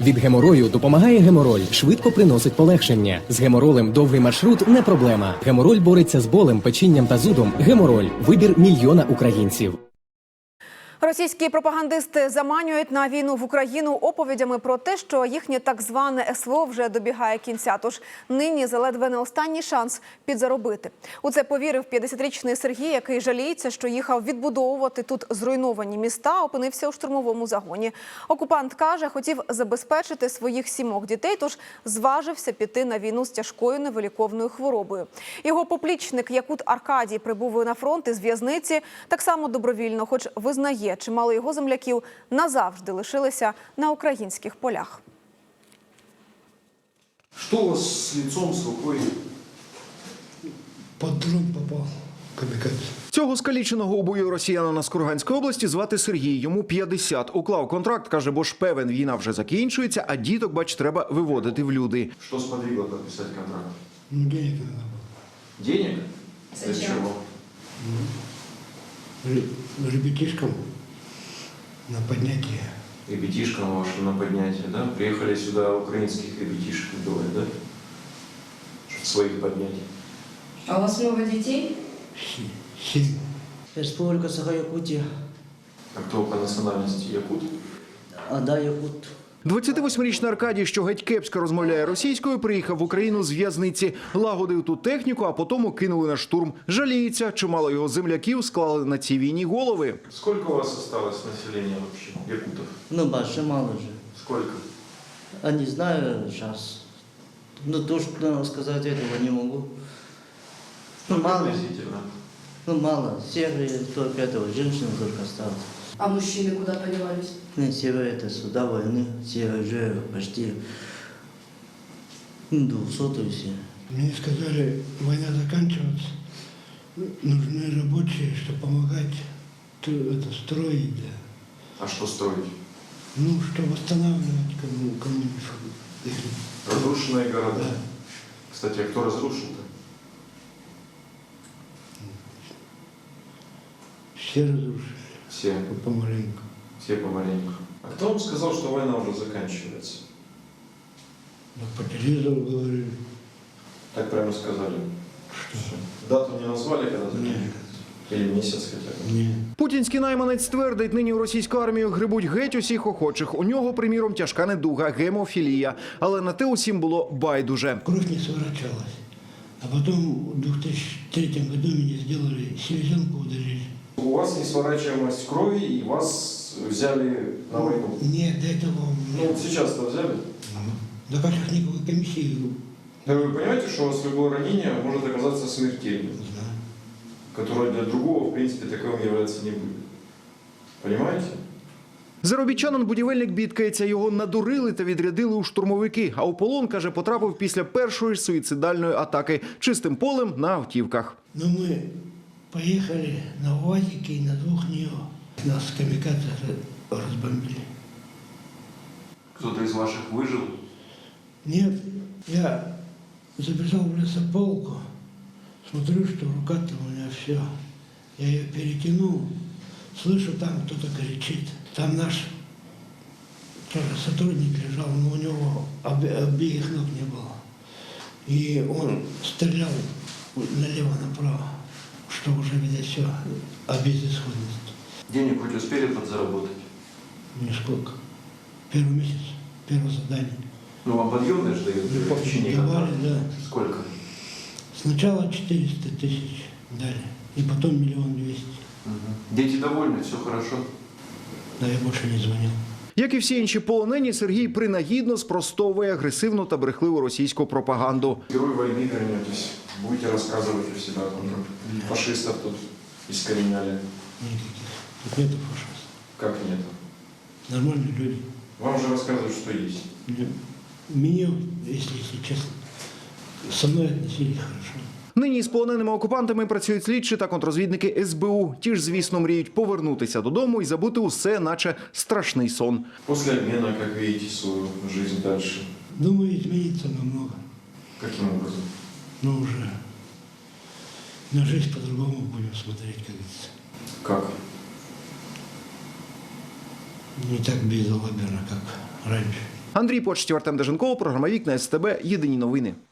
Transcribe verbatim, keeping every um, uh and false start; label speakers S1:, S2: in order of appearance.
S1: Від геморою допомагає гемороль, швидко приносить полегшення. З геморолем довгий маршрут не проблема. Гемороль бореться з болем, печінням та зудом. Гемороль – вибір мільйона українців.
S2: Російські пропагандисти заманюють на війну в Україну оповідями про те, що їхнє так зване СВО вже добігає кінця. Тож нині заледве не останній шанс підзаробити. У це повірив п'ятдесятирічний Сергій, який жаліється, що їхав відбудовувати тут зруйновані міста, опинився у штурмовому загоні. Окупант каже, хотів забезпечити своїх сімох дітей, тож зважився піти на війну з тяжкою невиліковною хворобою. Його поплічник Якут Аркадій прибув на фронт із в'язниці так само добровільно, хоч визнає, чимало його земляків назавжди лишилися на українських полях.
S3: Что у вас с лицом, с рукой?
S4: Под дрон попал. Камікадзе.
S5: Цього скаліченого у бою росіянина з Курганської області звати Сергій. Йому п'ятдесят. Уклав контракт, каже, бо ж певен, війна вже закінчується, а діток, бач, треба виводити в люди.
S3: Что сподвигло подписать контракт?
S4: Ну, денег надо было.
S3: Денег? Для чего?
S4: Р- Ребятишкам на поднятие.
S3: Ребятишкам вашим на поднятие, да? Приехали сюда украинских ребятишек делать, да? Чтоб своих поднять.
S6: А у вас много детей?
S4: Се- Семь.
S7: Республика Саха-Якутия.
S3: А кто по национальности? Якут?
S7: А, да, Якут.
S5: двадцятивосьмирічний Аркадій, що геть кепсько розмовляє російською, приїхав в Україну з в'язниці. Лагодив тут техніку, а потім кинули на штурм. Жаліється, чимало його земляків склали на цій війні голови.
S3: Сколько у вас осталось населения вообще, якутов?
S7: Ну, больше мало же.
S3: Сколько?
S7: А не знаю сейчас. Ну, то, что сказать этого не могу. Ну,
S3: Ну,
S7: мало.
S3: приблизительно.
S7: Ну, мало. Север только этого, женщина только осталась.
S6: А мужчины куда подевались?
S7: Ну, север это суда войны. Север уже почти ну, двухсотые все.
S4: Мне сказали, война заканчивается, нужны рабочие, чтобы помогать т- это, строить, да.
S3: А что строить?
S4: Ну, что восстанавливать кому, кому-нибудь их.
S3: Разрушенные города.
S4: Да.
S3: Кстати, а кто разрушил-то?
S4: Все разрушили.
S3: Все.
S4: Помаленьку.
S3: Все помаленьку. А кто вам сказал, что война уже заканчивается?
S4: Ну, по телевизору говорили,
S3: Так прямо сказали.
S4: что
S3: Дату не назвали, когда заканчивается? Или месяц хотя бы?
S4: не.
S5: Путінський найманець твердить, нині в російську армію грибуть геть усіх охочих. У нього, приміром, тяжка недуга – гемофілія. Але на те усім було байдуже.
S4: Кровь не сворачивалась. А потом в две тысячи третьем году меня сделали, селезенку удалили.
S3: У вас несворачиваемость крови, и вас взяли на войну.
S4: Нет, до этого...
S3: Ну, вот сейчас-то взяли.
S4: Да как их никакой комиссии
S3: Да вы понимаете, что у вас любое ранение может оказаться смертельным,
S4: не знаю.
S3: которое для другого, в принципе, таковым являться не будет. Понимаете?
S5: Заробітчанин-будівельник бідкається, його надурили та відрядили у штурмовики. А у полон, каже, потрапив після першої ж суїцидальної атаки. Чистим полем на автівках.
S4: Но мы поехали на УАЗике и на двух НИО. Нас камикадзе разбомбили.
S3: Кто-то из ваших выжил?
S4: Нет, я забежал в лесополку, смотрю, что рука-то у меня все. Я ее перетянул, слышу, там кто-то кричит. Там наш тоже сотрудник лежал, но у него обе- обеих ног не было. И он стрелял налево-направо, что уже, видать, все о безысходности.
S3: Денег хоть успели подзаработать?
S4: Нисколько. Первый месяц, первое задание.
S3: Ну, вам подъемные же дают в течение
S4: Давали,
S3: контракта.
S4: да.
S3: Сколько?
S4: Сначала четыреста тысяч дали, и потом миллион двести.
S3: Дети довольны, все хорошо.
S4: Да я больше не звонил.
S5: Як і всі інші полонені, Сергій принагідно спростовує агресивну та брехливу російську пропаганду.
S3: Герой войны вернетесь. Будете рассказывать у себя, там, фашистов тут искореняли.
S4: Никаких. Тут нету фашистов.
S3: Как нет?
S4: Нормальные люди.
S3: Вам же рассказывают, что есть.
S4: Меня, если, если честно, со мной относились хорошо.
S5: Нині з полоненими окупантами працюють слідчі та контррозвідники ес бе у. Ті ж, звісно, мріють повернутися додому і забути усе, наче страшний сон.
S3: После обмена, как видите, свою жизнь дальше.
S4: Думаю, изменится намного.
S3: Каким образом?
S4: Но уже на жизнь по-другому будем смотреть, как говорится.
S3: Как?
S4: Не так безалаберно, как раньше.
S5: Андрій Почтів, Артем Деженков, програма «Вікна СТБ». Єдині новини.